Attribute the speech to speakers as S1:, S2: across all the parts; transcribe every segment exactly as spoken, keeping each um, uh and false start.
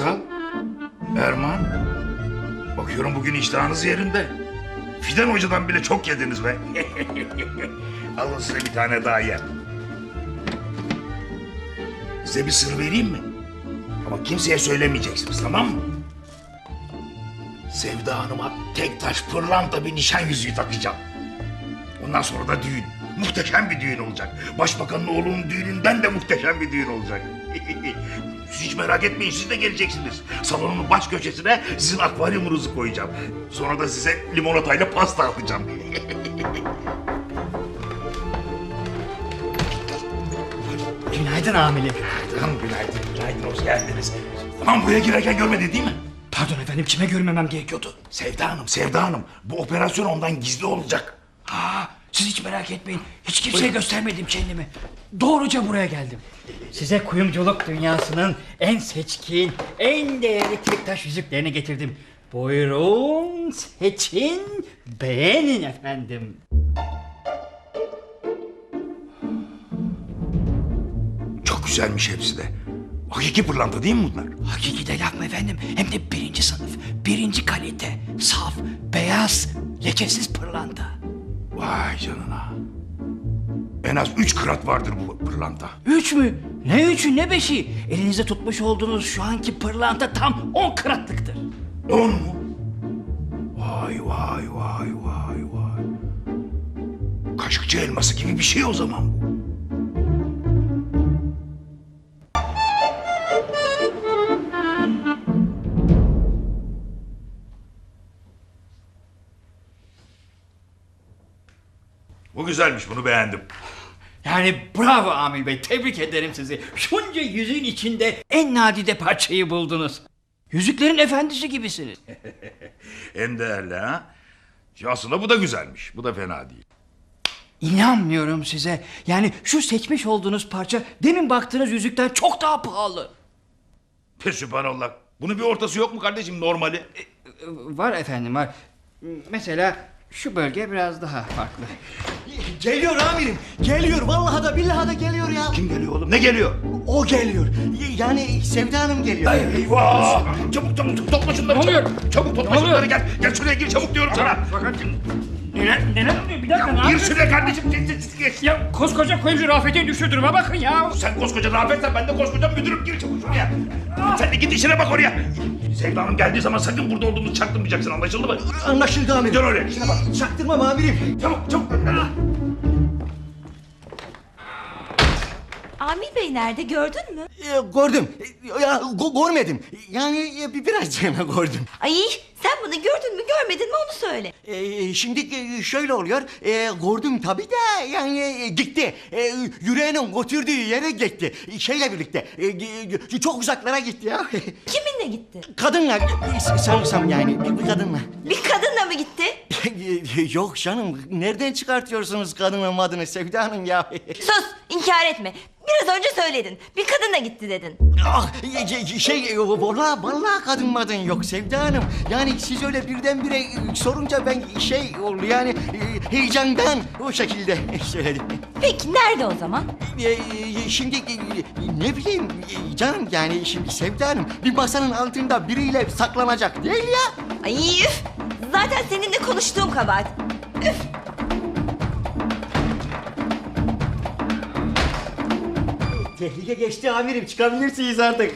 S1: Hazal, Erman. Bakıyorum bugün iştahınız yerinde. Fidan Hoca'dan bile çok yediniz be. Alın size bir tane daha yer. Size bir sır vereyim mi? Ama kimseye söylemeyeceksiniz, tamam mı? Sevda Hanım'a tek taş pırlanta bir nişan yüzüğü takacağım. Ondan sonra da düğün. Muhteşem bir düğün olacak. Başbakanın oğlunun düğününden de muhteşem bir düğün olacak. Siz hiç merak etmeyin, siz de geleceksiniz. Salonun baş köşesine sizin akvaryumunuzu koyacağım. Sonra da size limonatayla pasta atacağım.
S2: Günaydın amirim.
S1: Günaydın, günaydın, günaydın, hoş geldiniz. Aman buraya girerken görmedi değil mi?
S2: Pardon efendim, kime görmemem gerekiyordu?
S1: Sevda Hanım, Sevda Hanım. Bu operasyon ondan gizli olacak.
S2: Ha, siz hiç merak etmeyin. Hiç kimseye göstermedim kendimi. Doğruca buraya geldim. Size kuyumculuk dünyasının en seçkin, en değerli tek taş yüzüklerini getirdim. Buyurun, seçin, beğenin efendim.
S1: Çok güzelmiş hepsi de. Hakiki pırlanta değil mi bunlar?
S2: Hakiki de laf mı efendim? Hem de birinci sınıf, birinci kalite, saf, beyaz, lekesiz pırlanta.
S1: Vay canına. En az üç krat vardır bu pırlanta.
S2: Üç mü? Ne üçü ne beşi? Elinizde tutmuş olduğunuz şu anki pırlanta tam on kratlıktır.
S1: On mu? Vay vay vay vay vay. Kaşıkçı elması gibi bir şey o zaman bu. Bu güzelmiş, bunu beğendim.
S2: Yani bravo Amil Bey, tebrik ederim sizi. Şunca yüzüğün içinde en nadide parçayı buldunuz. Yüzüklerin efendisi gibisiniz.
S1: En değerli ha? Ya aslında bu da güzelmiş, bu da fena değil.
S2: İnanmıyorum size. Yani şu seçmiş olduğunuz parça demin baktığınız yüzükten çok daha pahalı.
S1: Pe sübhanallah. Bunun bir ortası yok mu kardeşim, normali?
S2: E, Var efendim, var. Mesela şu bölge biraz daha farklı.
S3: Geliyor amirim. Geliyor. Vallahi da billahi da geliyor ya.
S1: Kim geliyor oğlum, ne geliyor?
S3: O geliyor. Yani Sevda Hanım geliyor.
S1: Ay, eyvah! Çabuk çabuk topla şunları.
S2: Ne oluyor?
S1: Çabuk, çabuk topla
S2: Ne oluyor?
S1: şunları, gel. Gel şuraya gir çabuk diyorum sana.
S2: Fakat neler, neler oluyor? Bir dakika, ne
S1: Gir
S2: yapıyorsun?
S1: şuraya kardeşim. Geç, geç, geç.
S2: Ya koskoca kuyumcu Rafet'e düştü duruma bakın ya.
S1: Sen koskoca Rafet'sen ben de koskoca müdürüm. Gir çabuk şuraya. Sen de git işine bak oraya. Sevda Hanım geldiği zaman sakın burada olduğumuzu çaktırmayacaksın, anlaşıldı mı?
S3: Anlaşıldı amirim.
S1: Dön oraya, işine bak.
S3: Çaktırmam amirim.
S1: Çabuk çabuk.
S4: Amil Bey nerede, gördün mü?
S3: Ee, gördüm. Ee, Ya go- görmedim. Yani e, bir birazcığına gördüm.
S4: Ay sen bunu gördün mü görmedin mi onu söyle.
S3: Ee, şimdi e, şöyle oluyor. Ee, gördüm tabii de yani e, gitti. Ee, yüreğinin götürdüğü yere gitti. Şeyle birlikte. E, e, çok uzaklara gitti ya.
S4: Kiminle gitti?
S3: Kadınla e, sanırsam yani bir, bir kadınla.
S4: Bir kadınla mı gitti?
S3: Yok canım. Nereden çıkartıyorsunuz kadının adını Sevda Hanım ya?
S4: Sus, inkar etme. Biraz önce söyledin. Bir kadınla gitti dedin.
S3: Ah, şey, vallahi vallahi kadın madın yok Sevda Hanım. Yani siz öyle birdenbire sorunca ben şey oldu yani e, heyecandan o şekilde söyledim.
S4: Peki nerede o zaman?
S3: E, Şimdi e, ne bileyim e, canım yani şimdi Sevda Hanım bir masanın altında biriyle saklanacak değil ya.
S4: Ay üf! Zaten seninle konuştuğum kabahat. Üf!
S3: Tehlike geçti amirim, çıkabilirsiniz artık.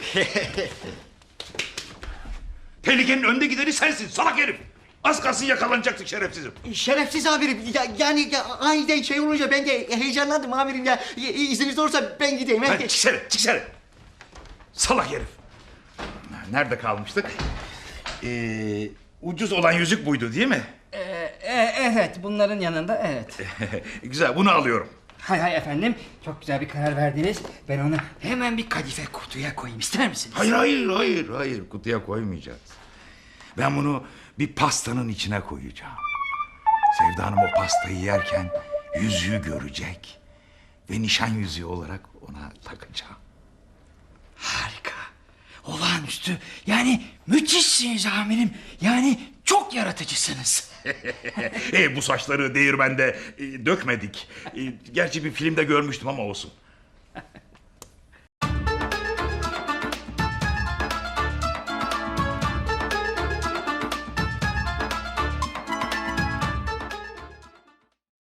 S1: Tehlikenin önde gideni sensin salak herif. Az kalsın yakalanacaktık şerefsizim.
S3: Şerefsiz amirim. Ya, yani ya, aniden şey olunca ben de heyecanlandım amirim ya. İ- İzniniz olursa ben gideyim.
S1: Hadi çıksana, çıksana. Salak herif. Nerede kalmıştık? Ee, ucuz olan yüzük buydu değil mi?
S2: Ee, e- evet, bunların yanında evet.
S1: Güzel, bunu alıyorum.
S2: Hay hay efendim, çok güzel bir karar verdiniz. Ben onu hemen bir kadife kutuya koyayım, ister misiniz?
S1: Hayır, hayır, hayır, hayır. Kutuya koymayacağız. Ben bunu bir pastanın içine koyacağım. Sevda Hanım o pastayı yerken yüzüğü görecek. Ve nişan yüzüğü olarak ona takacağım.
S2: Harika, olağanüstü, yani müthişsiniz amirim. Yani çok yaratıcısınız.
S1: e, bu saçları değirmende e, dökmedik. E, gerçi bir filmde görmüştüm ama olsun.